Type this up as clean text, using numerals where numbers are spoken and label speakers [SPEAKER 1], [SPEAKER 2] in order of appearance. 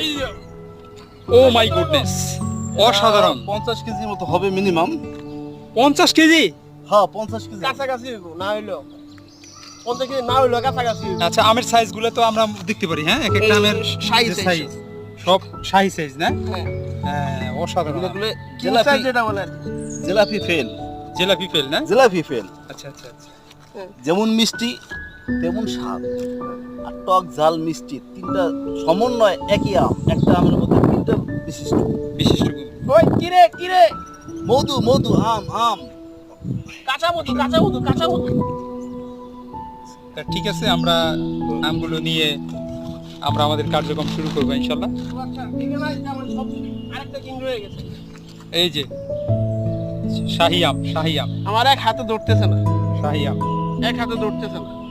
[SPEAKER 1] O my goodness, অসাধারণ।
[SPEAKER 2] 50 কেজির মতো হবে মিনিমাম।
[SPEAKER 1] 50 কেজি?
[SPEAKER 2] হ্যাঁ 50 কেজি।
[SPEAKER 3] কাছাকাছি হইব, না হইলো 50 কেজি না হইলো কাছাকাছি হইব।
[SPEAKER 1] আচ্ছা, আমের সাইজগুলো তো আমরা দেখতে পারি, হ্যাঁ, এক একটা
[SPEAKER 3] এই
[SPEAKER 1] আমের
[SPEAKER 3] শাহী
[SPEAKER 1] যে
[SPEAKER 3] size
[SPEAKER 1] সাইজ সব শাহী সাইজ না?
[SPEAKER 3] হ্যাঁ,
[SPEAKER 1] হ্যাঁ, অসাধারণ।
[SPEAKER 2] এগুলো
[SPEAKER 3] কি
[SPEAKER 2] জিলাপি,
[SPEAKER 3] size যেটা বলেন?
[SPEAKER 2] জিলাপি ফেল,
[SPEAKER 1] জিলাপি ফেল না?
[SPEAKER 2] জিলাপি ফেল।
[SPEAKER 1] আচ্ছা আচ্ছা আচ্ছা।
[SPEAKER 2] যেমন মিষ্টি তেমন স্বাদ, আর টক ঝাল মিষ্টি তিনটা সমন্বয় একই আম, একটা আমের মধ্যে তিনটা বিশিষ্ট।
[SPEAKER 1] বিশিষ্ট
[SPEAKER 3] ওই কিরে কিরে,
[SPEAKER 2] মধু মধু আম আম।
[SPEAKER 3] কাঁচা মধু কাঁচা মধু কাঁচা মধু।
[SPEAKER 1] তা ঠিক আছে, আমরা আমগুলো নিয়ে আমরা আমাদের কার্যক্রম শুরু করবো ইনশাল্লাহ।
[SPEAKER 3] আচ্ছা, এখানে আমার সব আরেকটা কিং রয়ে গেছে।
[SPEAKER 1] এই যে শাহী আম, শাহী আম,
[SPEAKER 3] আমার এক হাতে ধরতেছে না,
[SPEAKER 1] শাহী আম।
[SPEAKER 3] এক হাতে ধরতেছে না।